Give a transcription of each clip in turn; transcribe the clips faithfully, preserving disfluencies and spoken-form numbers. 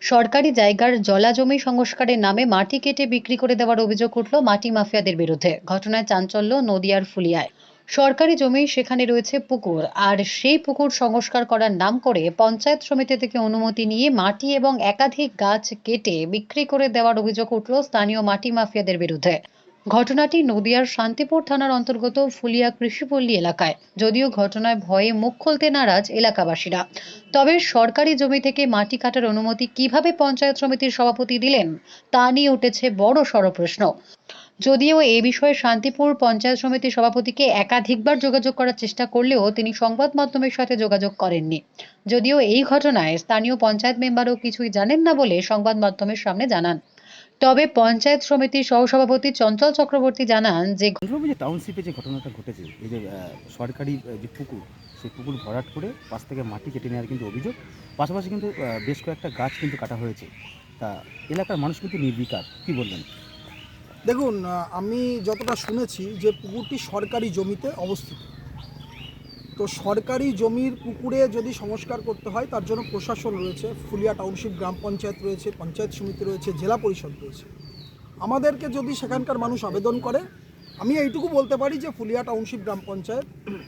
সরকারি জায়গার জলাজমি সংস্কারের নামে মাটি কেটে বিক্রি করে দেওয়ার অভিযোগ উঠল মাটি মাফিয়াদের বিরুদ্ধে। ঘটনায় চাঞ্চল্য নদিয়ার ফুলিয়ায়। সরকারি জমি, সেখানে রয়েছে পুকুর, আর সেই পুকুর সংস্কার করার নাম করে পঞ্চায়েত সমিতি থেকে অনুমতি নিয়ে মাটি এবং একাধিক গাছ কেটে বিক্রি করে দেওয়ার অভিযোগ উঠল স্থানীয় মাটি মাফিয়াদের বিরুদ্ধে। ঘটনাটি নদিয়ার শান্তিপুর থানার অন্তর্গত ফুলিয়া কৃষিপল্লী এলাকায়। যদিও ঘটনায় ভয়ে মুখ খুলতে নারাজ এলাকাবাসীরা, তবে সরকারি জমি থেকে মাটি কাটার অনুমতি কিভাবে পঞ্চায়েত সমিতির সভাপতি দিলেন তা নিয়ে উঠেছে বড় সড় প্রশ্ন। যদিও এ বিষয়ে শান্তিপুর পঞ্চায়েত সমিতির সভাপতিকে একাধিকবার যোগাযোগ করার চেষ্টা করলেও তিনি সংবাদ মাধ্যমের সাথে যোগাযোগ করেননি। যদিও এই ঘটনায় স্থানীয় পঞ্চায়েত মেম্বারও কিছুই জানেন না বলে সংবাদ মাধ্যমের সামনে জানান। তবে পঞ্চায়েত সমিতির সহসভাপতি চঞ্চল চক্রবর্তী জানান যে যে টাউনশিপে যে ঘটনাটা ঘটেছে, এই যে সরকারি যে পুকুর, সেই পুকুর ভরাট করে পাশ থেকে মাটি কেটে নেওয়ার কিন্তু অভিযোগ, পাশাপাশি কিন্তু বেশ কয়েকটা গাছ কিন্তু কাটা হয়েছে। তা এলাকার মানুষ কিন্তু নির্বিকার, কি বলবেন? দেখুন, আমি যতটা শুনেছি যে পুকুরটি সরকারি জমিতে অবস্থিত। তো সরকারি জমির পুকুরে যদি সংস্কার করতে হয় তার জন্য প্রশাসন রয়েছে, ফুলিয়া টাউনশিপ গ্রাম পঞ্চায়েত রয়েছে, পঞ্চায়েত সমিতি রয়েছে, জেলা পরিষদ রয়েছে। আমাদেরকে যদি সেখানকার মানুষ আবেদন করে, আমি এইটুকু বলতে পারি যে ফুলিয়া টাউনশিপ গ্রাম পঞ্চায়েত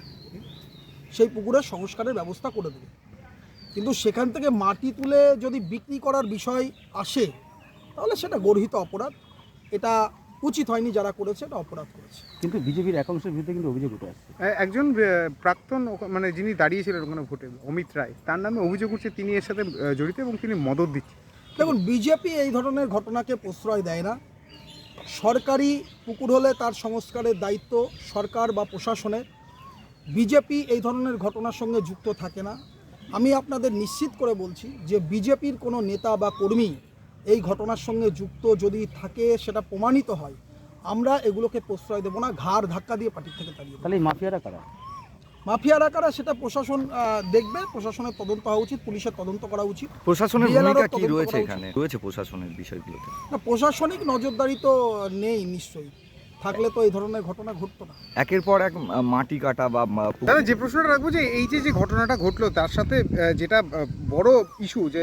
সেই পুকুরের সংস্কারের ব্যবস্থা করে দেবে। কিন্তু সেখান থেকে মাটি তুলে যদি বিক্রি করার বিষয় আসে তাহলে সেটা গর্হিত অপরাধ। এটা উচিত হয়নি, যারা করেছে এটা অপরাধ করেছে। কিন্তু বিজেপির একাংশের বিরুদ্ধে কিন্তু অভিযোগ উঠে আসছে। একজন প্রাক্তন মানে যিনি দাঁড়িয়েছিলেন ওখানে ভোটে, অমিত রায়, তার নামে অভিযোগ উঠছে তিনি এর সাথে জড়িত এবং তিনি মদত দিচ্ছেন। দেখুন, বিজেপি এই ধরনের ঘটনাকে প্রশ্রয় দেয় না। সরকারি পুকুর হলে তার সংস্কারের দায়িত্ব সরকার বা প্রশাসনের। বিজেপি এই ধরনের ঘটনার সঙ্গে যুক্ত থাকে না। আমি আপনাদের নিশ্চিত করে বলছি যে বিজেপির কোনো নেতা বা কর্মী এই ঘটনার সঙ্গে যুক্ত যদি থাকে, সেটা প্রমাণিত হয়, আমরা এগুলোকে প্রশ্রয় দেব না, ঘাড় ধাক্কা দিয়ে পার্টি থেকে তাড়িয়ে দেব। তাহলে এই মাফিয়ারা কারা? মাফিয়ারা কারা সেটা প্রশাসন দেখবে। প্রশাসনের তদন্ত হওয়া উচিত, পুলিশের তদন্ত করা উচিত। প্রশাসনের ভূমিকা কি রয়েছে এখানে? রয়েছে প্রশাসনের বিষয়গুলোতে? না, প্রশাসনিক নজরদারি তো নেই, নিশ্চয়ই থাকলে তো এই ধরনের ঘটনা ঘটতো না। একের পর এক মাটি কাটা বা দাদা, যে প্রশ্নটা রাখবো যে এই যে যে ঘটনাটা ঘটলো তার সাথে যেটা বড় ইস্যু যে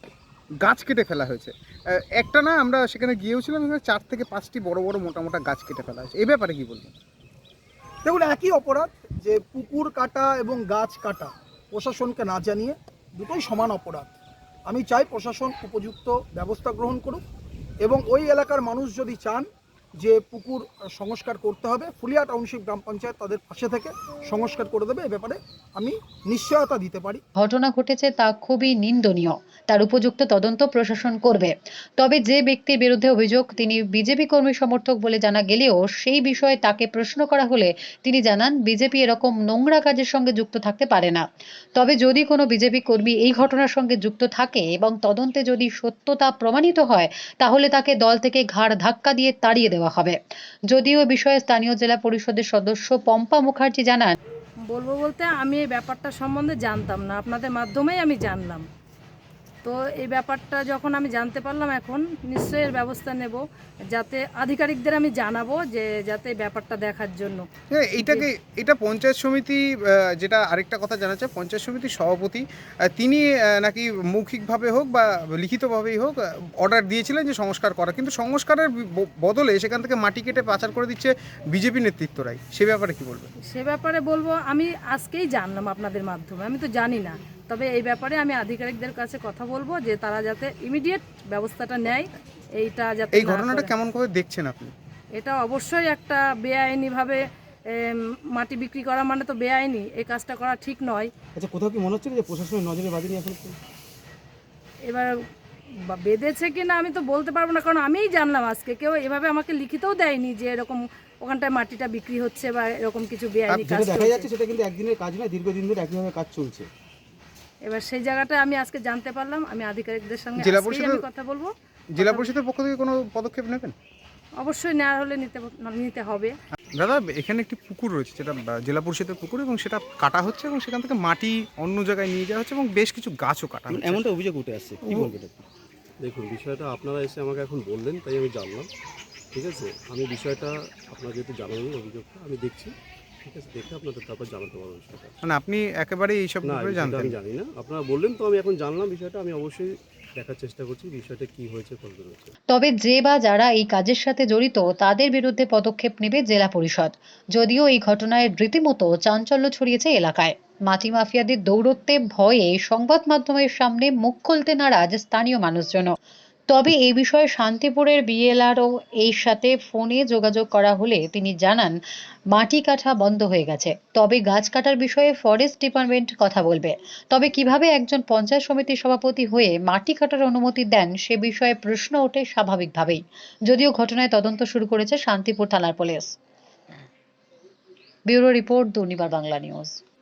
গাছ কেটে ফেলা হয়েছে, একটা না, আমরা সেখানে গিয়েওছিলাম, চার থেকে পাঁচটি বড় বড় মোটা মোটা গাছ কেটে ফেলা হয়েছে। এই ব্যাপারে কি বলবেন? দেখুন, একই অপরাধ, যে পুকুর কাটা এবং গাছ কাটা প্রশাসনকে না জানিয়ে, দুটোই সমান অপরাধ। আমি চাই প্রশাসন উপযুক্ত ব্যবস্থা গ্রহণ করুক, এবং ওই এলাকার মানুষ যদি চান যে পুকুর সংস্কার করতে হবে, ফুলিয়া টাউনশিপ গ্রাম পঞ্চায়েত তাদের পাশে থেকে সংস্কার করে দেবে। এ ব্যাপারে আমি নিশ্চয়তা দিতে পারি। ঘটনা ঘটেছে তা খুবই নিন্দনীয়, তার উপযুক্ত তদন্ত প্রশাসন করবে। তবে যে ব্যক্তির বিরুদ্ধে অভিযোগ তিনি বিজেপি কর্মী সমর্থক বলে জানা গেলেও সেই বিষয়ে তাকে প্রশ্ন করা হলে তিনি জানান বিজেপি এরকম নোংরা কাজের সঙ্গে যুক্ত থাকতে পারে না। তবে যদি কোনো বিজেপি কর্মী এই ঘটনার সঙ্গে যুক্ত থাকে এবং তদন্তে যদি সত্যতা প্রমাণিত হয়, তাহলে তাকে দল থেকে ঘাড় ধাক্কা দিয়ে তাড়িয়ে দেওয়া হবে। যদিও বিষয়ে স্থানীয় জেলা পরিষদের সদস্য পম্পা মুখার্জি জানান, বলবো বলতে আমি এই ব্যাপারটা সম্বন্ধে জানতাম না, আপনাদের মাধ্যমেই আমি জানলাম। তো এই ব্যাপারটা যখন আমি জানতে পারলাম, এখন নিশ্চয়ই এর ব্যবস্থা নেব, যাতে আধিকারিকদের আমি জানাবো যে যাতে ব্যাপারটা দেখার জন্য। এইটাকে এটা পঞ্চায়েত সমিতি, যেটা আরেকটা কথা জানা যায়, পঞ্চায়েত সমিতির সভাপতি তিনি নাকি মৌখিকভাবে হোক বা লিখিতভাবেই হোক অর্ডার দিয়েছিলেন যে সংস্কার করা, কিন্তু সংস্কারের বদলে সেখান থেকে মাটি কেটে পাচার করে দিচ্ছে বিজেপি নেতৃত্বরাই। সে ব্যাপারে কি বলবেন? সে ব্যাপারে বলবো, আমি আজকেই জানলাম আপনাদের মাধ্যমে, আমি তো জানি না। তবে এই ব্যাপারে আমি আধিকারিকদের কাছে কথা বলবো যে তারা যাতে ইমিডিয়েট ব্যবস্থাটা নেয়। এইটা যাতে এই ঘটনাটা কেমন করে দেখছেন আপনি? এটা অবশ্যই একটা বেআইনিভাবে মাটি বিক্রি করা মানে তো বেআইনি, এই কাজটা করা ঠিক নয়। আচ্ছা, কোথাও কি মনে হচ্ছে যে প্রশাসনের নজরে বাজেনি এখন? এবার বেঁধেছে কি না আমি তো বলতে পারবো না, কারণ আমিই জানলাম আজকে। কেউ এভাবে আমাকে লিখিতও দেয়নি যে এরকম ওখানটায় মাটিটা বিক্রি হচ্ছে বা এরকম কিছু বেআইনি কাজ দেখা যাচ্ছে। সেটা কিন্তু একদিনের কাজ নয়, দীর্ঘদিন ধরে একইভাবে কাজ চলছে। এবার সেই জায়গাটা আমি আজকে জানতে পারলাম, আমি আধিকারিকদের সঙ্গে জেলা পরিষদের কথা বলবো। জেলা পরিষদের পক্ষ থেকে কোনো পদক্ষেপ নেবেন? অবশ্যই নেওয়া হলে নিতে নিতে হবে। দাদা, এখানে একটি পুকুর রয়েছে, যেটা জেলা পরিষদের পুকুর, এবং সেটা কাটা হচ্ছে এবং সেখান থেকে মাটি অন্য জায়গায় নিয়ে যাওয়া হচ্ছে এবং বেশ কিছু গাছও কাটা হচ্ছে, এমনটা অভিযোগ উঠে আসছে, কি বলবেন? দেখুন, বিষয়টা আপনারা এসে আমাকে এখন বললেন তাই আমি জানলাম। ঠিক আছে, আমি বিষয়টা আপনার যেহেতু জানালেন অভিযোগটা, আমি দেখছি। ঠিক আছে, দেখে আপনাদের তারপর জানাতে পারবো বিষয়টা। মানে আপনি একেবারে এইসব না, ব্যাপারে জানতেন? আমি জানি না, আপনারা বললেন তো আমি এখন জানলাম বিষয়টা। আমি অবশ্যই দেখার চেষ্টা করছি বিষয়টা কি হয়েছে কতদূর হয়েছে। তবে যে বা যারা এই কাজের সাথে জড়িত তাদের বিরুদ্ধে পদক্ষেপ নেবে জেলা পরিষদ। যদিও এই ঘটনায় রীতিমতো চাঞ্চল্য ছড়িয়েছে এলাকায়। মাটি মাফিয়াদের দৌরত্বে ভয়ে সংবাদ মাধ্যমের সামনে মুখ খুলতে নারাজ স্থানীয় মানুষজন। তবে এই বিষয়ে শান্তিপুরের বিএলআরও এর সাথে ফোনে যোগাযোগ করা হলে তিনি জানান মাটি কাটা বন্ধ হয়ে গেছে, তবে গাছ কাটার বিষয়ে ফরেস্ট ডিপার্টমেন্ট কথা বলবে। তবে কিভাবে একজন পঞ্চায়েত সমিতির সভাপতি হয়ে মাটি কাটার অনুমতি দেন সে বিষয়ে প্রশ্ন ওঠে স্বাভাবিকভাবেই। যদিও ঘটনায় তদন্ত শুরু করেছে শান্তিপুর থানার police. Bureau report, Durnibar Bangla news.